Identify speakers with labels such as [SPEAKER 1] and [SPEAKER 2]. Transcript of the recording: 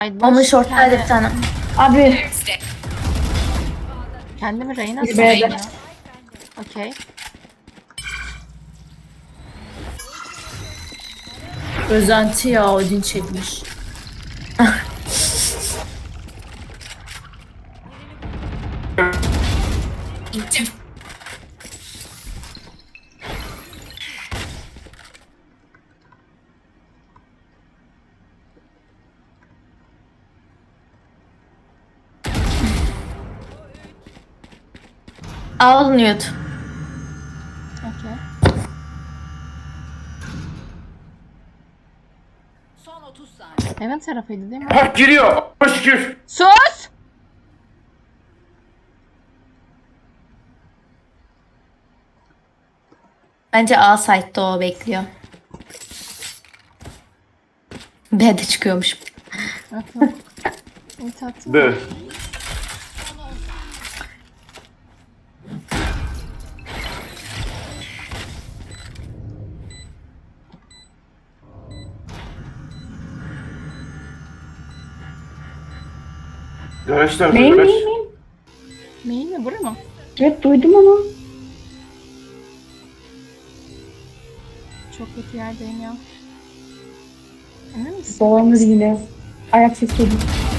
[SPEAKER 1] Onun short'taydı bir tane.
[SPEAKER 2] Abi
[SPEAKER 3] Kendimi Reyna
[SPEAKER 2] Bir
[SPEAKER 3] sandım
[SPEAKER 2] B'de.
[SPEAKER 3] ya. Okey.
[SPEAKER 2] özenti ya Odin çekmiş.
[SPEAKER 1] Al mute.
[SPEAKER 3] Okey.
[SPEAKER 4] Son 30 saniye.
[SPEAKER 3] Heaven tarafıydı değil mi?
[SPEAKER 5] Hak giriyor. Çok şükür.
[SPEAKER 3] Sus!
[SPEAKER 1] Bence A site'da o bekliyor. B'de çıkıyormuş.
[SPEAKER 3] İlk attım.
[SPEAKER 5] De. Garajlar,
[SPEAKER 2] Main
[SPEAKER 5] garaj.
[SPEAKER 2] main main.
[SPEAKER 3] Main mi? Bura mı?
[SPEAKER 2] Evet duydum onu.
[SPEAKER 3] Çok kötü yerdeyim ya. Emin misin?
[SPEAKER 2] Dolanır yine. Ayak sesi geliyor.